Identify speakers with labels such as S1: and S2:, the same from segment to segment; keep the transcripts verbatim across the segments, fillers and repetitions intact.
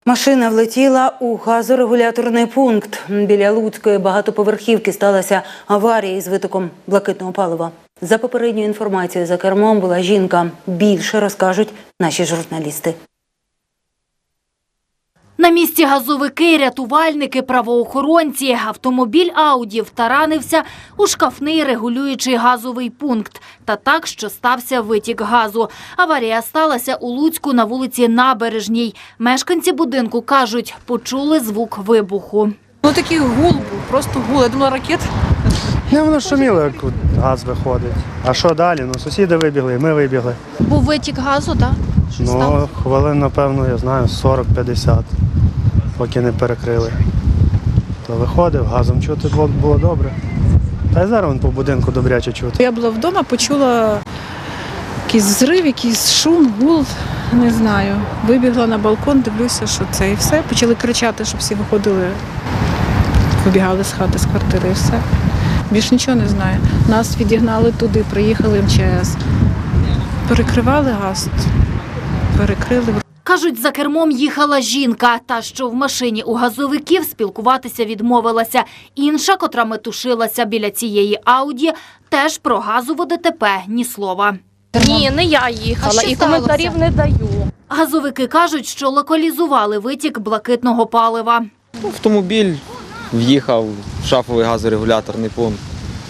S1: Машина влетіла у газорегуляторний пункт. Біля Луцької багатоповерхівки сталася аварія із витоком блакитного палива. За попередньою інформацією, за кермом була жінка. Більше розкажуть наші журналісти.
S2: На місці газовики, рятувальники, правоохоронці. Автомобіль Ауді втаранився у шкафний регулюючий газовий пункт. Та так, що стався витік газу. Аварія сталася у Луцьку на вулиці Набережній. Мешканці будинку кажуть, почули звук вибуху.
S3: Ну такий гул був, просто гул. Я думала, ракет.
S4: Не, воно шуміло, як газ виходить. А що далі? Ну, сусіди вибігли, ми вибігли.
S5: Був витік газу, так?
S4: Ну, хвилин, напевно, я знаю, сорок-п'ятдесят, поки не перекрили. То виходив, газом чути було, було добре. Та й зараз вон по будинку добряче чути.
S3: Я була вдома, почула якийсь взрив, якийсь шум, гул, не знаю. Вибігла на балкон, дивлюся, що це і все. Почали кричати, щоб всі виходили, вибігали з хати, з квартири і все. Більш нічого не знаю. Нас відігнали туди, приїхали ем че ес. Перекривали газ, перекрили.
S2: Кажуть, за кермом їхала жінка. Та, що в машині у газовиків, спілкуватися відмовилася. Інша, котра метушилася біля цієї Ауді, теж про газове де те пе ні слова.
S5: Ні, не я їхала і коментарів не даю.
S2: Газовики кажуть, що локалізували витік блакитного палива.
S6: Автомобіль в'їхав в шафовий газорегуляторний пункт.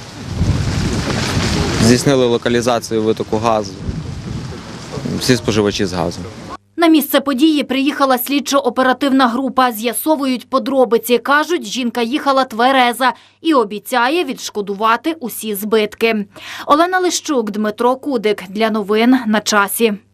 S6: Здійснили локалізацію витоку газу. Всі споживачі з газом.
S2: На місце події приїхала слідчо-оперативна група. З'ясовують подробиці. Кажуть, жінка їхала твереза і обіцяє відшкодувати усі збитки. Олена Лищук, Дмитро Кудик. Для новин на часі.